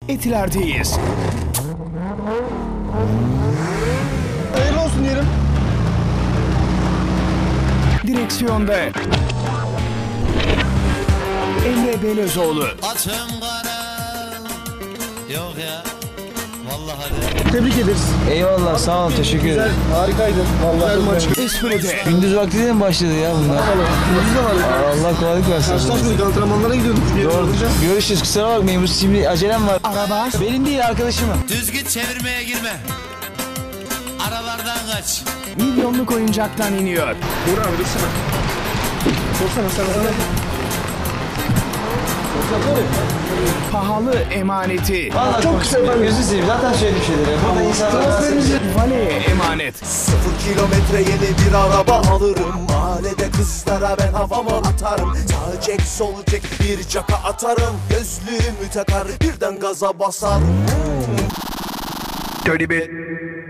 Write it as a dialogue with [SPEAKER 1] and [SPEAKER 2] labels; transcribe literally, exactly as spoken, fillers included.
[SPEAKER 1] Etiler'deyiz.
[SPEAKER 2] Hayırlı olsun diyelim.
[SPEAKER 1] Direksiyonda Emre Belözoğlu.
[SPEAKER 3] Açım kara. Yok ya. Vallahi hadi.
[SPEAKER 2] Tebrik ederiz.
[SPEAKER 4] Eyvallah, sağ ol, teşekkür ederim.
[SPEAKER 2] Harikaydın. Vallahi maç.
[SPEAKER 1] Espri'de
[SPEAKER 4] Gündüz vakti de mi başladı ya bunlar?
[SPEAKER 2] Gündüz de var.
[SPEAKER 4] Allah kolaylık versin.
[SPEAKER 2] Karşılaşmadık, antrenmanlara gidiyorduk.
[SPEAKER 4] Doğru. Görüşürüz, kusura bakmayın, bu şimdi acelem var.
[SPEAKER 1] araba
[SPEAKER 4] Benim değil, arkadaşımın.
[SPEAKER 3] Düz git, çevirmeye girme. Aralardan kaç.
[SPEAKER 1] milyonluk oyuncaktan iniyor.
[SPEAKER 2] Uğur abi dursana. Sorsana sen sana.
[SPEAKER 1] Pahalı emaneti
[SPEAKER 4] Vallahi çok kısa ben gözünü seveyim, zaten söylediğim şeyleri. Burada insanlar
[SPEAKER 1] Valeye emanet.
[SPEAKER 5] Sıfır kilometre yeni bir araba alırım. Mahallede kızlara ben havamı atarım. Sağ çek sol çek bir caka atarım. Gözlüğümü takar birden gaza basarım.
[SPEAKER 1] Dirty bit.